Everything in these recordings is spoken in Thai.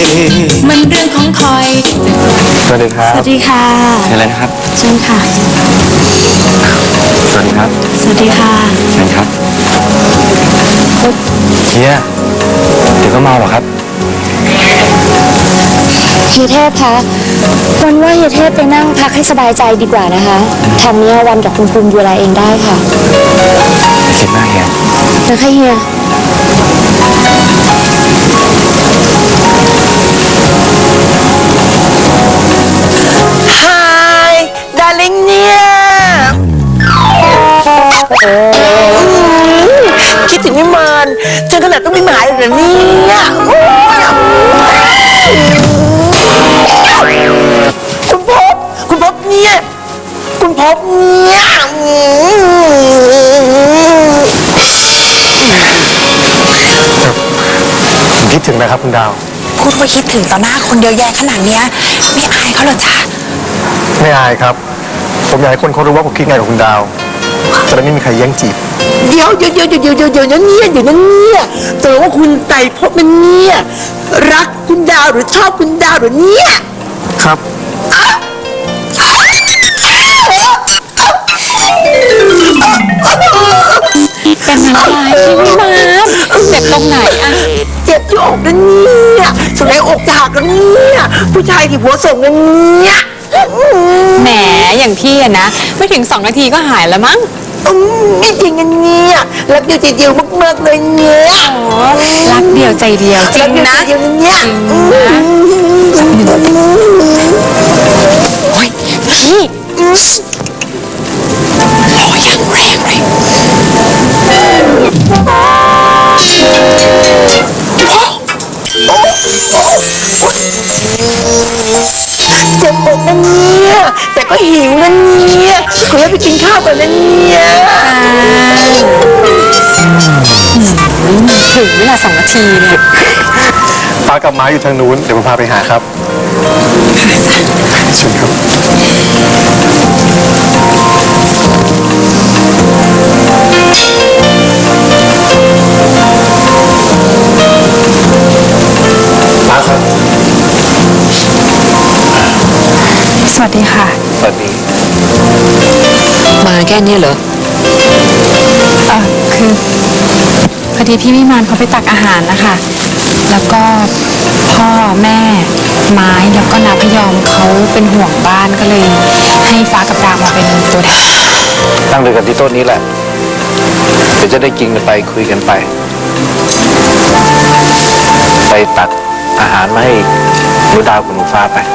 มันเรื่องของคอยสวัสดีครับสวัสดีค่ะเชิญเลยนะครับเชิญค่ะสวัสดีครับสวัสดีค่ะเชิญครับเฮียเดี๋ยวก็เมาหรอครับเฮียเทพคะวันว่าเฮียเทพไปนั่งพักให้สบายใจดีกว่านะคะทางนี้วันกับคุณภูมิดูแลเองได้ค่ะไม่คิดมากเฮียนะคะเฮีย Hi darling เนี่ยคิดถึงพี่มานจนขนาดต้องมีหมายเลยเนี่ยคุณพบเนี่ยคุณพบเนี่ยผมคิดถึงนะครับคุณดาวพูดว่าคิดถึงต่อหน้าคนเยอะแยะขนาดเนี้ยไม่อายเขาเหรอจ๊ะไม่อายครับ ผมอยากให้คนเขารู้ว่าผมคิดไงกับคุณดาวจะได้ไม่มีใครแย่งจีบเดี๋ยวนั้นเนี่ยตกลงว่าคุณไต่พบนั้นเนี่ยรักคุณดาวหรือชอบคุณดาวหรือเนี่ยครับเป็นอะไรพี่วิมานเจ็บตรงไหนอะเจ็บที่อกนั่นเนี่ยสมัยอกจะหักแล้วเนี่ยผู้ชายที่หัวส่งนั่นเนี่ยแหมอย่างพี่อะนะไม่ถึง2 นาทีก็หายแล้วมั้งไม่จริงกันเนี่ยรักเดียวใจเดียวมากๆเลยเนี่ยรักเดียวใจเดียวจริงนะรักเดียวใจเดียวเนี่ยโอ้ยพี่รออย่างแรงเลยเจ็บอกนั่นเนี่ยแต่ก็หิวนั่นเนี่ยขอให้ไปกินข้าวก่อนนั่นเนี่ยถึงเวลา2 นาทีเนี่ยป้ากับม้าอยู่ทางนู้นเดี๋ยวผมพาไปหาครับเชิญครับป้าครับสวัสดีค่ะสวัสดีมาแค่นี้เหรอคือพอดีพี่วิมานเขาไปตักอาหารนะคะแล้วก็พ่อแม่ไม้แล้วก็น้าพยอมเขาเป็นห่วงบ้านก็เลยให้ฟ้ากับดาวมาเป็นตัวแทนตั้งเลยกันที่โต๊ะนี้แหละเดี๋ยวจะได้กินกันไปคุยกันไป ไปตักอาหารมาให้หนูดาวกับหนูฟ้าไป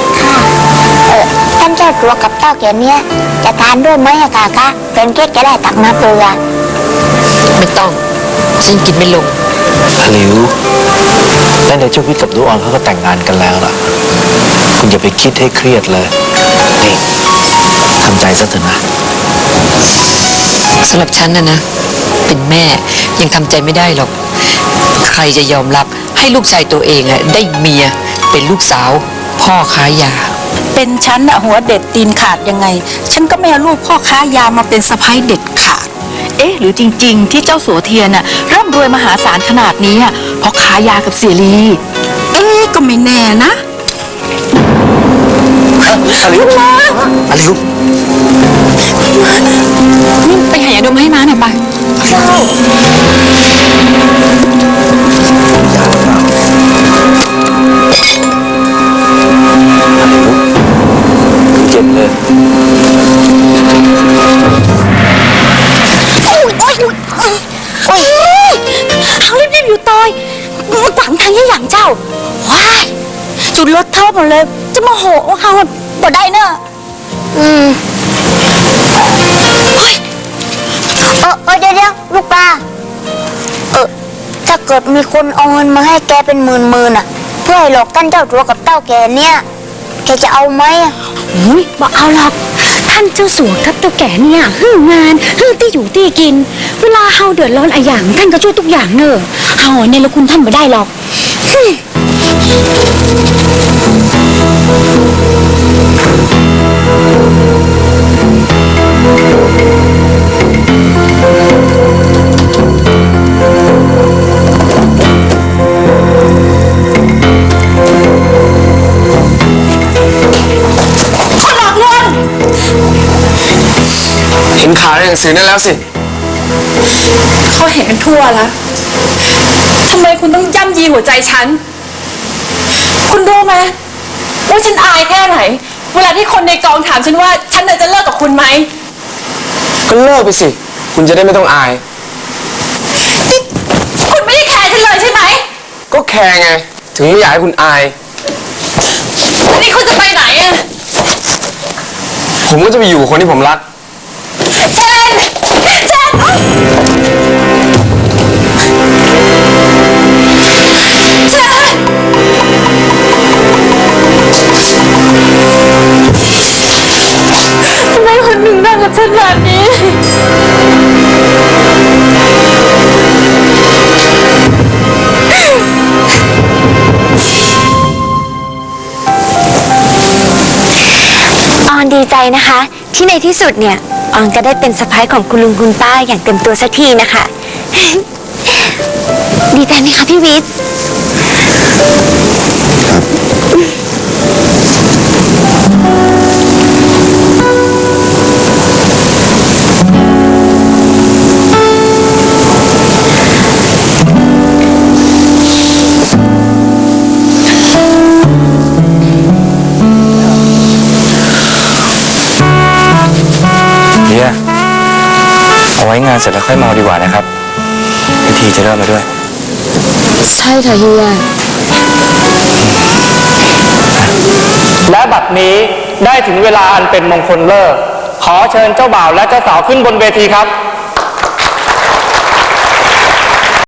ท่านเจ้าตัวกับเต้าแก่เนี้ยจะทานด้วยไหมอะกากะเป็นเก๊กจะได้ตักน้ำเกลือไม่ต้องฉันกินไม่ลงหลิวและในเจ้าวิทย์กับดูออนเขาก็แต่งงานกันแล้วล่ะ คุณอย่าไปคิดให้เครียดเลย นี่ทำใจซะเถอะนะสำหรับฉันนะเป็นแม่ยังทำใจไม่ได้หรอก ใครจะยอมรับให้ลูกชายตัวเองอะได้เมียเป็นลูกสาวพ่อค้ายาเป็นฉันอะหัวเด็ดตีนขาดยังไง ฉันก็ไม่เอาลูกพ่อค้ายามาเป็นสะใภ้เด็ดขาด เอ๊ะหรือจริงๆ ที่เจ้าสัวเทียนน่ะร่ำรวยมหาศาลขนาดนี้อะเพราะค้ายากับเสียรีเอ๊ะก็ไม่แน่นะอลิวนี่ไปหายาดมให้ม้าหน่อยปะเจ็บเลยโอ้ยเขารีบอยู่ตอยฝังทางยี่หลังเจ้าว้ายจุดรถเท่าหมดเลยจะมาโหว่าเขาบ่ได้เนอะเฮ้ยเดี๋ยวลูกปลาถ้าเกิดมีคนเอาเงินมาให้แกเป็นหมื่นอะเพื่อให้หลอกท่านเจ้าตัวกับเต้าแกเนี่ยแกจะเอาไหมบอกเอาหรอกท่านเจ้าสัวกับเต้าแก่เนี่ยหื้องานหื้อที่อยู่ที่กิน เวลาเฮาเดือดร้อนอะไรอย่างท่านก็ช่วยทุกอย่างเนอะเฮาเนี่ยละคุณท่านไม่ได้หรอกหนังสือนั่นแล้วสิเขาเห็นกันทั่วแล้วทำไมคุณต้องย่ำยีหัวใจฉัน คุณรู้ไหมว่าฉันอายแค่ไหน เวลาที่คนในกองถามฉันว่าฉันจะเลิกกับคุณไหมก็เลิกไปสิ คุณจะได้ไม่ต้องอายคุณไม่ได้แคร์ฉันเลยใช่ไหมก็แคร์ไง ถึงไม่อยากให้คุณอายแล้วนี่คุณจะไปไหนอะผมก็จะไปอยู่กับคนที่ผมรักเชนทำไมคุณถึงทำกับฉันแบบนี้ออนดีใจนะคะ ที่ในที่สุดเนี่ยออนก็ได้เป็นสะพ้ายของคุณลุงคุณป้าอย่างเต็มตัวสักทีนะคะ ดีใจไหมคะพี่วิทย์เฮียเอาไว้งานเสร็จแล้วค่อยเมาดีกว่านะครับพิธีจะเริ่มแล้วด้วยใช่ค่ะเฮียและบัดนี้ได้ถึงเวลาอันเป็นมงคลเลิก ขอเชิญเจ้าบ่าวและเจ้าสาวขึ้นบนเวทีครับ